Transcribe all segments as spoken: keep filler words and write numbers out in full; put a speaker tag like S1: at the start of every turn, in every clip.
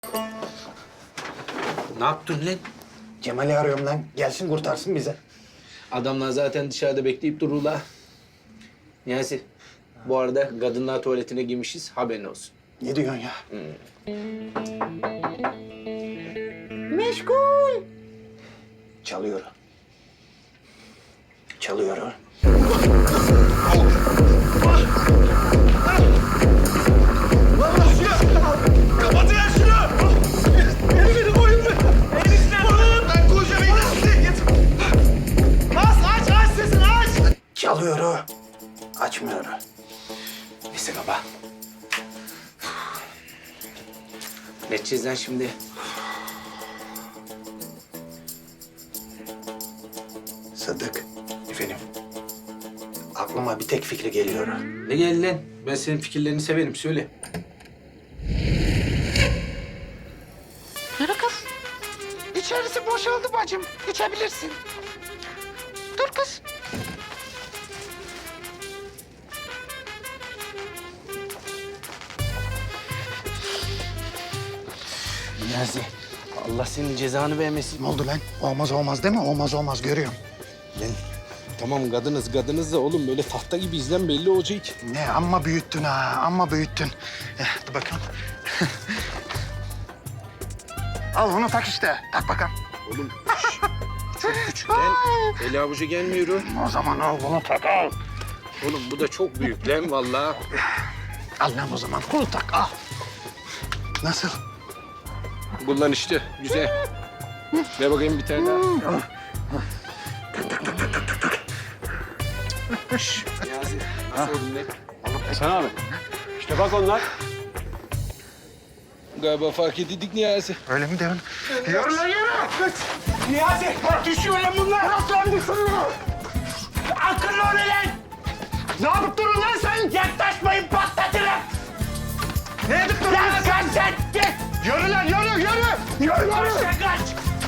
S1: Ne yaptın lan?
S2: Cemal'i arıyorum lan. Gelsin kurtarsın bize.
S1: Adamlar zaten dışarıda bekleyip dururlar. Niyazi, bu arada kadınlar tuvaletine girmişiz, haberin olsun.
S2: Ne diyorsun ya? Meşgul. Çalıyor. Çalıyor.
S3: Kapatın ya şunu! Beni beni koyun be! Enişten! Ben koyacağım enişte! Git! Bas aç aç sesini aç!
S2: Çalıyor. Açmıyor.
S1: Neyse baba. Ne edeceğiz lan şimdi?
S2: Sadık. Efendim. Aklıma bir tek fikri geliyor.
S1: Ne geldi lan? Ben senin fikirlerini severim, söyle.
S4: Yürü kız. İçerisi boşaldı bacım. İçebilirsin. Dur kız.
S1: Niyazi, Allah senin cezanı vermesin.
S2: Ne oldu lan? Olmaz olmaz değil mi? Olmaz olmaz görüyorum.
S1: Lan tamam kadınız kadınız da oğlum böyle tahta gibi izlen belli olacak.
S2: Ne amma büyüttün ha, amma büyüttün. Eh, dur bakalım. Al bunu tak işte. Tak bakalım.
S1: Oğlum şş, çok küçük lan. Eli avucu gelmiyor.
S2: O zaman al bunu tak al.
S1: Oğlum bu da çok büyük lan vallahi.
S2: Al lan o zaman bunu tak al. Nasıl?
S1: Kullan işte güzel. Ver bakayım bir tane daha. Şş, Niyazi, nasıl oldun lan?
S3: Sen abi. İşte bak onlar.
S1: Galiba fark edildik Niyazi.
S2: Öyle mi diyorsun? Yürü lan yürü.
S3: Niyazi! Düşüyor lan bunlar! Nasıl lan düşüyor? Akıllı ol lan! Ne yapıp durun lan sen? Yaklaşmayın patlatırım! Ne yapıp durun lan sen? Sen git! Yürü lan yürü yürü! Yürü yürü! Kaç kaç!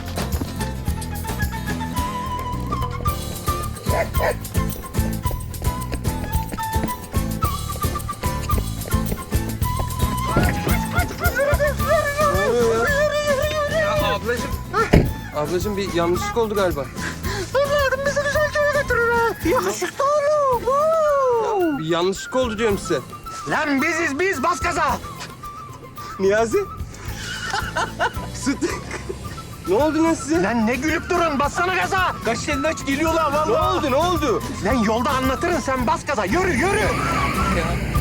S5: Ablacığım bir yanlışlık oldu galiba.
S4: Evladım bizi güzel köye götürür ha. Yakışıklı oğlum. Oo.
S5: Bir yanlışlık oldu diyorum size.
S2: Lan biziz biz bas gaza.
S5: Niyazi. Sıt. Ne oldu lan size?
S2: Lan ne gülüp durun bassana gaza.
S5: Kaç elini aç geliyorlar vallahi. Ne oldu ne oldu?
S2: Lan yolda anlatırın sen bas gaza yürü yürü.
S5: Ya.